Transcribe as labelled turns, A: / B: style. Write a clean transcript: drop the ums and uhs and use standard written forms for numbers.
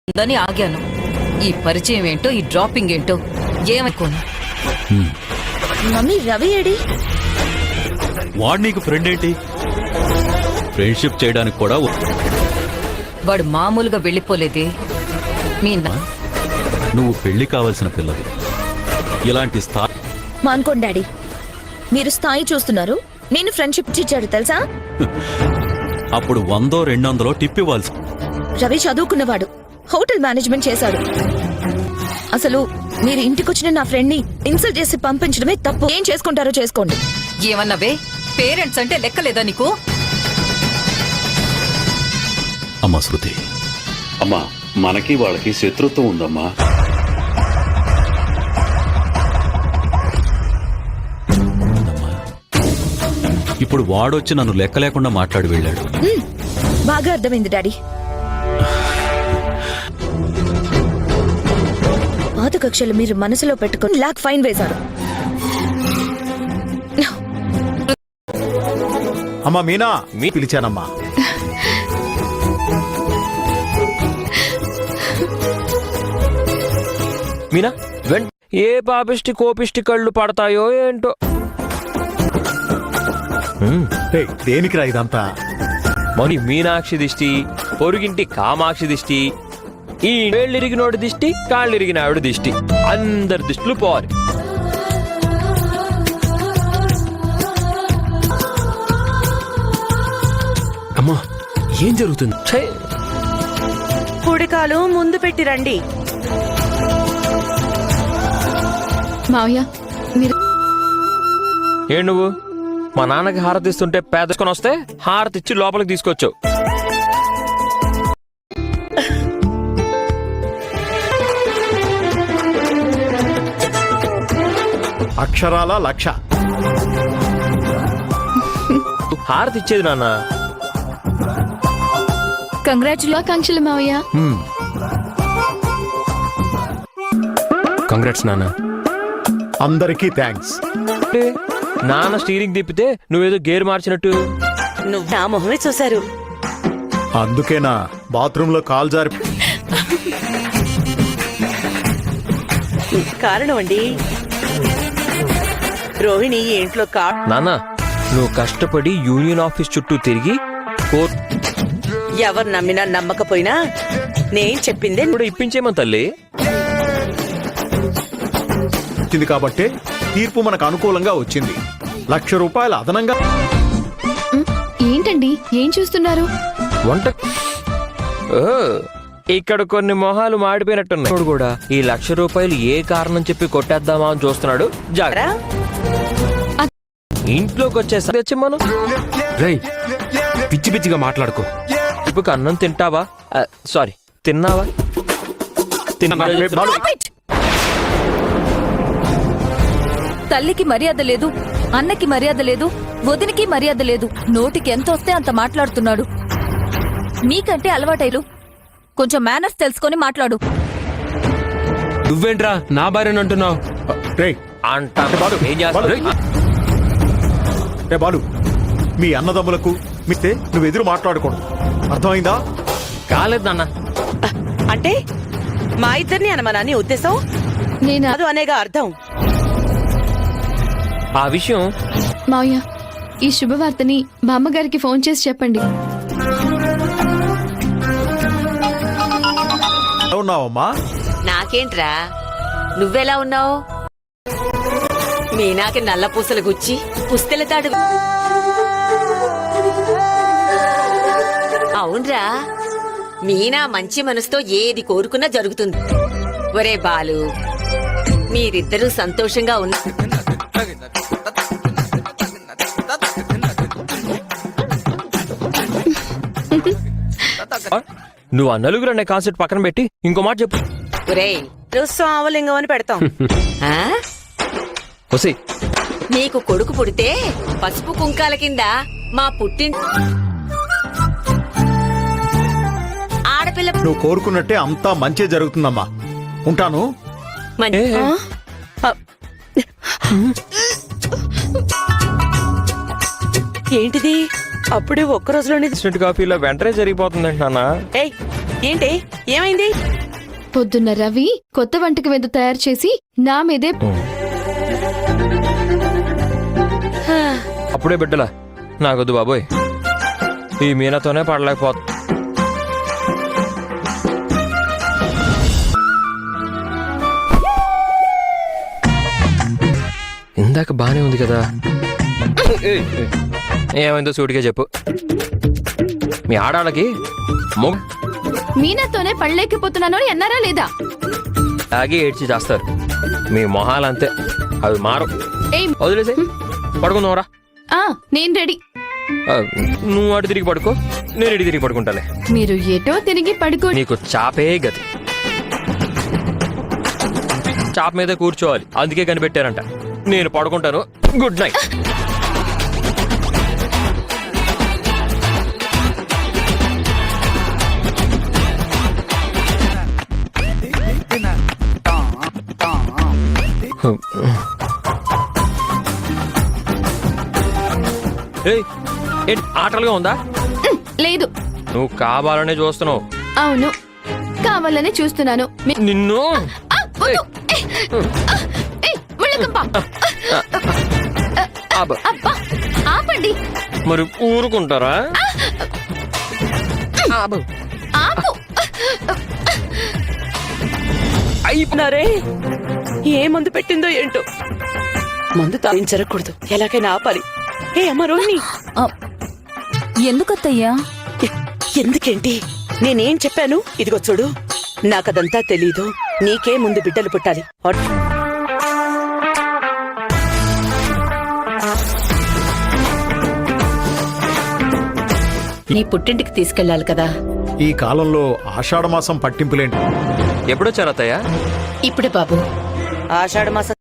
A: దని ఆగాను. ఈ పరిచయం ఏంటో, ఈ డ్రాపింగ్ ఏంటో ఏమనుకోను.
B: Mummy Ravi AD?
C: వాడు నీకు ఫ్రెండ్ ఏంటి? ఫ్రెండ్షిప్ చేయడానికి కూడా
A: వాడు మామూలుగా వెళ్ళిపోలేదే.
C: నువ్వు పెళ్లి కావాల్సిన పిల్లవి. ఇలాంటి స్థాయి
B: మానుకోండి డాడీ, మీరు స్థాయి చూస్తున్నారు, నేను ఫ్రెండ్షిప్ ఇచ్చాడు తెలుసా.
C: అప్పుడు 100 200 టిప్ ఇవ్వాల్సి.
B: రవి చదువుకున్నవాడు, హోటల్ మేనేజ్మెంట్ చేశాడు. అసలు మీరు ఇంటికొచ్చిన నా ఫ్రెండ్ ని ఇన్సల్ట్ చేసి పంపించడమే తప్పు. ఏం చేసుకుంటారో చేసుకోండి.
A: ఏమన్నావే? పేరెంట్స్ అంటే లెక్కలేదా నీకు?
C: అమ్మా శృతి,
D: అమ్మా మనకి వాళ్ళకి శత్రుత్వం ఉందమ్మా.
C: ఇప్పుడు వాడొచ్చి నన్ను లెక్క లేకుండా మాట్లాడి వెళ్ళాడు.
B: బాగా అర్థమైంది డాడీ. పాత కక్షలు మీరు మనసులో పెట్టుకుని లాక్ ఫైన్ వేశారు.
E: అమ్మా మీనా, మీ పిలిచానమ్మా.
F: మీనా ఏ పాపిష్టి కోపిష్టి కళ్ళు పడతాయో ఏంటో.
E: దేనికిరా ఇదంతా?
F: మరి మీనాక్షి దిష్టి, పొరుగింటి కామాక్షి దిష్టి, ఈ వేళ్ళిరిగినోడి దిష్టి, కాళ్ళిరిగిన ఆవిడ దిష్టి, అందరి దిష్టిలు పోవాలి.
G: అమ్మా ఏం జరుగుతుంది?
H: కుడికాలు ముందు పెట్టి రండి.
B: మావయ్య మీరు
F: ఏ నువ్వు మా నాన్నకి హారతి ఇస్తుంటే పేదకొని వస్తే హారతి ఇచ్చి లోపలికి తీసుకొచ్చావు.
E: అక్షరాల 1,00,000.
F: హారతి ఇచ్చేది నాన్న.
B: కంగ్రాచులేషన్స్ మావయ్య.
G: కంగ్రాట్స్ నాన్న.
E: అందరికీ థ్యాంక్స్.
F: నాన్న స్టీరింగ్ తిప్పితే నువ్వేదో గేర్ మార్చినట్టు.
H: నువ్వు నా మొహమే చూశారు.
E: అందుకేనా బాత్రూమ్ లో కాల్ జారి?
H: కారణం అండి, రోహిణి ఈ ఇంట్లో
F: నాన్న నువ్వు కష్టపడి యూనియన్ ఆఫీస్ చుట్టూ తిరిగి
H: ఎవరు నమ్మినా నమ్మకపోయినా నేను చెప్పిందే
F: కూడా ఇప్పించేమని తల్లి.
E: వచ్చింది కాబట్టి తీర్పు మనకు అనుకూలంగా వచ్చింది. 1,00,000 రూపాయలు అదనంగా.
B: ఏంటండి ఏం చూస్తున్నారు?
F: వంట ఇక్కడ కొన్ని మొహాలు మాడిపోయినట్టున్నాయి కూడా. ఈ 1,00,000 రూపాయలు ఏ కారణం చెప్పి కొట్టేద్దామా అని చూస్తున్నాడు. జాగ్రత్త. ఇంట్లోకి వచ్చేసరి తెచ్చి మనం
G: రై పిచ్చి పిచ్చిగా మాట్లాడుకో.
F: ఇప్పుడు అన్నం తింటావా? సారీ తిన్నావా?
A: తల్లికి మర్యాద లేదు, అన్నకి మర్యాద లేదు, వదినికి మర్యాద లేదు. నోటికి ఎంత వస్తే అంత మాట్లాడుతున్నాడు. మీకంటే అలవాటైలు. కొంచెం మేనర్స్ తెలుసుకొని మాట్లాడు.
G: నువ్వేంట్రా నా భార్యను అంటున్నావు?
E: బాలు, మీ అన్నదమ్ములకు మిస్తే నువ్వు ఎదురు మాట్లాడకూడదు, అర్థమైందా?
F: కాలేదు నాన్న.
H: అంటే మా ఇద్దరిని అనమని ఉద్దేశం? నేను అది అనేగా అర్థం.
F: ఆ విషయం
B: మావయ్య, ఈ శుభవార్తని మా అమ్మగారికి ఫోన్ చేసి చెప్పండి.
E: ఉన్నావమ్మా?
I: నాకేంట్రా, నువ్వెలా ఉన్నావు? మీనాకి నల్ల పూసలు గుచ్చి పుస్తెలతాడు. అవునరా, మీనా మంచి మనసుతో ఏది కోరుకున్నా జరుగుతుంది. ఒరే బాలు, మీరిద్దరూ సంతోషంగా ఉన్నా.
F: నువ్వు ఆ నలుగురు అనే కాన్సెప్ట్ పక్కన పెట్టి ఇంకో మాట చెప్పు.
H: ఒరేయ్, స్వామలింగం అని పెడతాం.
I: నీకు కొడుకు పుడితే పసుపు కుంకాల కింద మా ఆడపిల్ల
E: నువ్వు కోరుకున్నట్టే అంతా మంచి జరుగుతుందమ్మా. ఉంటాను.
H: ఏంటిది అప్పుడే ఒక్క రోజులోనే
F: కాఫీలో వెంటనే జరిగిపోతుందండి నాన్న.
H: ఏంటి ఏమైంది?
J: పొద్దున్న రవి కొత్త వంటకం ఏదో తయారు చేసి నా మీదే
F: అప్పుడే బిడ్డలా నాకొద్దు బాబోయ్, ఈ మీనాతోనే పడలేకపోతా. ఇందాక బానే ఉంది కదా, ఏమైందో సూటిగా చెప్పు. మీ ఆడాళ్ళకి మొగ
J: మీనాతోనే పడలేకపోతున్నాను అని అన్నారా లేదా?
F: తాగి ఏడ్చి చేస్తారు. మీ మొహాలంతే, అవి మారు.
J: ఏయ్
F: వదిలేసే పడుకుందాంరా.
J: నేను రెడీ.
F: నువ్వు అటు తిరిగి పడుకో, నేను ఇటు తిరిగి పడుకుంటానే.
J: మీరు ఎటో తిరిగి పడుకో.
F: నీకు చాపే గతి, చాప మీద కూర్చోవాలి, అందుకే కనిపెట్టారంట. నేను పడుకుంటాను. Good night. ఏయ్, ఏంటి ఆటలుగా ఉందా?
J: లేదు.
F: నువ్వు కావాలనే చూస్తున్నావు.
J: అవును, కావాలనే చూస్తున్నాను.
F: నిన్ను
J: వద్దు. వెళ్ళకంప.
F: అబ్బా,
J: అబ్బా, ఆపండి.
F: మరి ఊరుకుంటారా?
J: ఆపు.
H: అయిపోయినారే, ఏ మందు పెట్టిందో ఏంటో. మందు తాగించరకూడదు, ఎలాగైనా ఆపాలి. ఏ అమ్మ రోహిణి,
A: ఎందుకత్తయ్యా?
H: ఎందుకేంటి? నేనేం చెప్పాను? ఇదిగో చూడు, నాకదంతా తెలీదు. నీకే ముందు బిడ్డలు పుట్టాలి. నీ పుట్టింటికి తీసుకెళ్లాలి కదా.
E: ఈ కాలంలో ఆషాఢమాసం పట్టింపులేంటి?
F: ఎప్పుడొచ్చారు అత్తయ్య?
H: ఇప్పుడే బాబు, ఆషాఢ మాసం